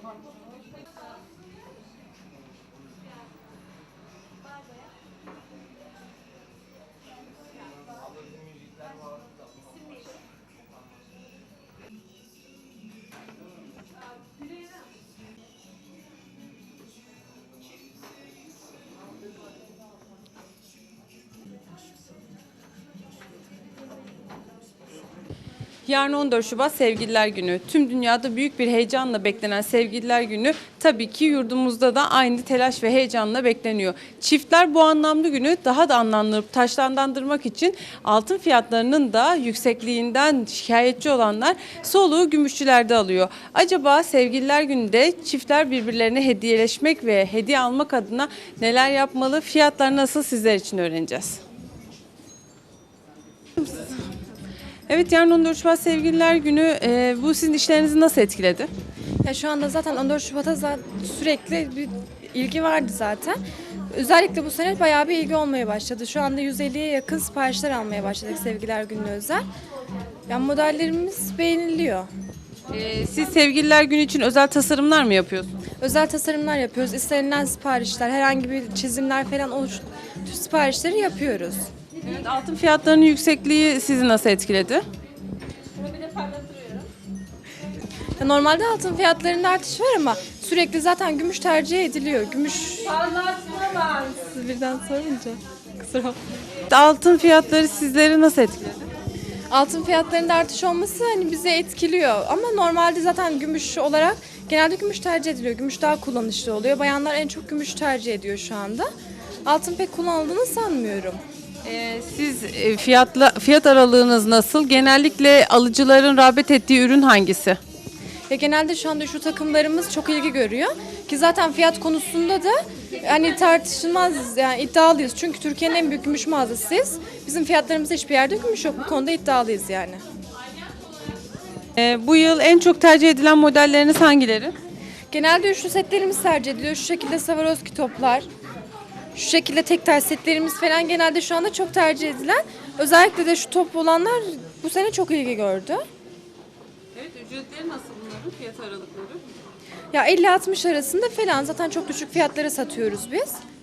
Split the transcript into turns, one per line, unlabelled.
Yarın 14 Şubat Sevgililer Günü. Tüm dünyada büyük bir heyecanla beklenen Sevgililer Günü tabii ki yurdumuzda da aynı telaş ve heyecanla bekleniyor. Çiftler bu anlamlı günü daha da anlamlandırıp taşlandırmak için altın fiyatlarının da yüksekliğinden şikayetçi olanlar soluğu gümüşçülerde alıyor. Acaba Sevgililer Günü'nde çiftler birbirlerine hediyeleşmek ve hediye almak adına neler yapmalı? Fiyatlar nasıl, sizler için öğreneceğiz. Evet, yarın 14 Şubat Sevgililer Günü. Bu sizin işlerinizi nasıl etkiledi?
Ya şu anda zaten 14 Şubat'a sürekli bir ilgi vardı zaten. Özellikle bu sene bayağı bir ilgi olmaya başladı. Şu anda 150'ye yakın siparişler almaya başladık Sevgililer Günü'ne özel. Yani modellerimiz beğeniliyor.
Siz Sevgililer Günü için özel tasarımlar mı yapıyorsunuz?
Özel tasarımlar yapıyoruz. İstenilen siparişler, herhangi bir çizimler falan tüm siparişleri yapıyoruz.
Evet, altın fiyatlarının yüksekliği sizi nasıl etkiledi?
Ya normalde altın fiyatlarında artış var ama sürekli zaten gümüş tercih ediliyor. Gümüş... Siz birden sorunca. Kusura bakmayın.
Altın fiyatları sizleri nasıl etkiledi?
Altın fiyatlarında artış olması hani bizi etkiliyor ama normalde zaten gümüş olarak genelde gümüş tercih ediliyor. Gümüş daha kullanışlı oluyor. Bayanlar en çok gümüş tercih ediyor şu anda. Altın pek kullanıldığını sanmıyorum.
Siz fiyat aralığınız nasıl? Genellikle alıcıların rağbet ettiği ürün hangisi?
Ya genelde şu anda şu takımlarımız çok ilgi görüyor ki zaten fiyat konusunda da hani tartışılmaz, yani iddialıyız. Çünkü Türkiye'nin en büyük gümüş mağazasıyız. Bizim fiyatlarımızda hiçbir yerde gümüş yok. Bu konuda iddialıyız yani.
Bu yıl en çok tercih edilen modelleriniz hangileri?
Genelde üçlü setlerimiz tercih ediliyor. Şu şekilde Swarovski toplar, şu şekilde tek tel setlerimiz falan genelde şu anda çok tercih edilen. Özellikle de şu top olanlar bu sene çok ilgi gördü.
Evet, ücretleri nasıl bunların, fiyat aralıkları?
Ya 50-60 arasında falan, zaten çok düşük fiyatlara satıyoruz biz.